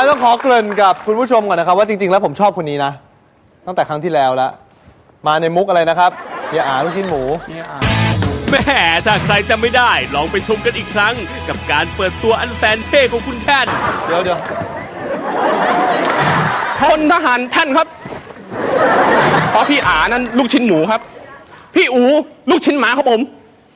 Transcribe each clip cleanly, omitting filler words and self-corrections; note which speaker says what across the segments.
Speaker 1: ต้องขอเกริ่นกับคุณผู้ชมก่อนนะครับว่าจริงๆแล้วผมชอบคนนี้นะตั้งแต่ครั้งที่แล้วแล้วมาในมุกอะไรนะครับอย่าอ่าลูกชิ้นหมู
Speaker 2: แม่ถ้าใครจำไม่ได้ลองไปชมกันอีกครั้งกับการเปิดตัวอันแสนเท่ของคุณแท่น
Speaker 1: เดี๋ยว
Speaker 3: พลทหารท่านครับเพราะพี่อานั้นลูกชิ้นหมูครับพี่อูลูกชิ้นหมาครับผม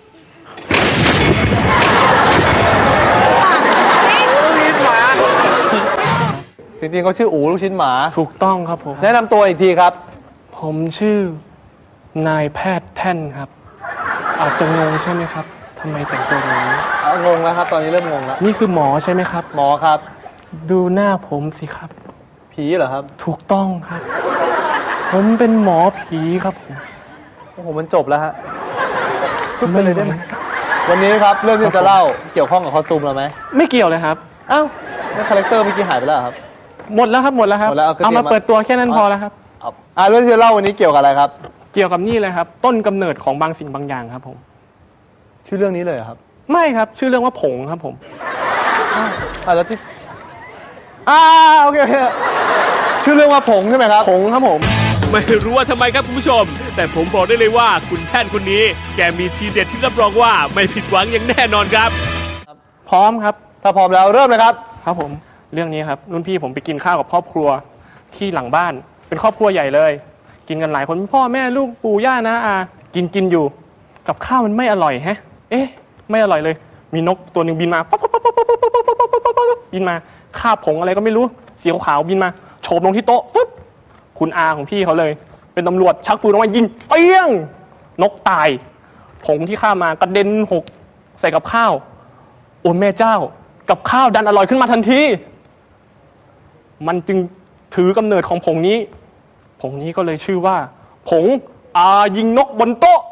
Speaker 1: จริงๆเขาชื่ออูลูกชิ้นหมา
Speaker 3: ถูกต้องครับผม
Speaker 1: แนะนำตัวอีกทีครับ
Speaker 3: ผมชื่อนายแพทย์แท่นครับอาจจะงงใช่ไหมครับทำไมแต่งตัวอย่างนี้
Speaker 1: งงแล้วครับตอนนี้เริ่มงงแล้ว
Speaker 3: นี่คือหมอใช่ไหมครับ
Speaker 1: หมอครับ
Speaker 3: ดูหน้าผมสิครับ
Speaker 1: ผีเหรอครับ
Speaker 3: ถูกต้องครับผมเป็นหมอผีครับผม
Speaker 1: โอ้โหมันจบแล้วฮะพูดไปเลยได้ไหมวันนี้ครับเรื่องที่จะเล่าเกี่ยวข้องกับคอสตูมเราไหม
Speaker 3: ไม่เกี่ยวเลยครับ
Speaker 1: อ้าวแล้วคาแรคเตอร์เมื่อกี้หายไปแล้วครับ
Speaker 3: หมดแล้วครับเอามาเปิดตัวแค่นั้นพอแล้วครับ
Speaker 1: เรื่องที่จะเล่าวันนี้เกี่ยวกับอะไรครับ
Speaker 3: เกี่ยวกับนี่เลยครับต้นกำเนิดของบางสิ่งบางอย่างครับผม
Speaker 1: ชื่อเรื่องนี้เลยครับ
Speaker 3: ไม่ครับชื่อเรื่องว่าผงครับผม
Speaker 1: แล้วที่โอเคชื่อเรื่องว่าผงใช่ไหมครับ
Speaker 3: ผงครับผม
Speaker 2: ไม่รู้ว่าทำไมครับคุณผู้ชมแต่ผมบอกได้เลยว่าคุณแท่นคนนี้แกมีทีเด็ดที่รับรองว่าไม่ผิดหวังอย่างแน่นอนครับ
Speaker 3: พร้อมครับ
Speaker 1: ถ้าพร้อมแล้วเริ่มเลยครับ
Speaker 3: ครับผมเรื่องนี้ครับรุ่นพี่ผมไปกินข้าวกับครอบครัวที่หลังบ้านเป็นครอบครัวใหญ่เลยกินกันหลายคนพ่อแม่ลูกปู่ย่านะกินอยู่กับข้าวมันไม่อร่อยไม่อร่อยเลยมีนกตัวหนึ่งบินมาบินมาคาบผงอะไรก็ไม่รู้สีขาวบินมาโฉบลงที่โต๊ะปุ๊บคุณอาของพี่เขาเลยเป็นตำรวจชักปืนออกมายิงเปี้ยงนกตายผงที่ข้ามากระเด็นหกใส่กับข้าวโอ้แม่เจ้ากับข้าวดันอร่อยขึ้นมาทันทีมันจึงถือกำเนิดของผงนี้ก็เลยชื่อว่าผงยิงนกบนโต๊ะ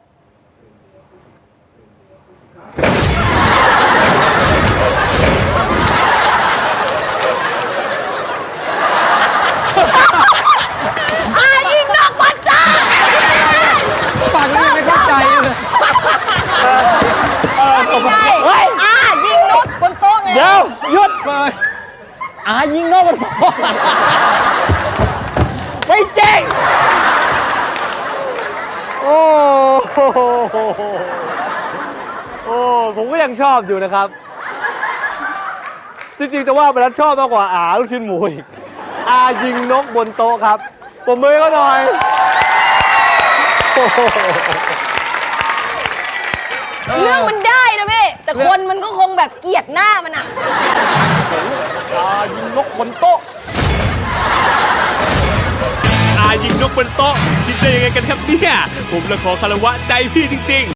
Speaker 4: ยิงนกบนโต๊ะ
Speaker 1: ฟังไม่เข้าใจเลย
Speaker 4: เฮ้ยยิงนกบนโต๊ะไง
Speaker 1: เดี๋ยวหยุดเลยยิงนกบนโต๊ะไม่เจ๊งโอ้ผมก็ยังชอบอยู่นะครับจริงๆจะว่าไปแล้วชอบมากกว่าลูกชิ้นหมูอีกยิงนกบนโต๊ะครับผมมือก็หน่อย
Speaker 4: เรื่องมันได้นะพี่แต่คนมันก็คงแบบเกลียดหน้ามัน
Speaker 3: ยิงนกบนโต๊ะ
Speaker 2: ยิงนกบนโต๊ะคิดได้ยังไงกันครับเนี่ยผมละขอคารวะใจพี่จริงๆ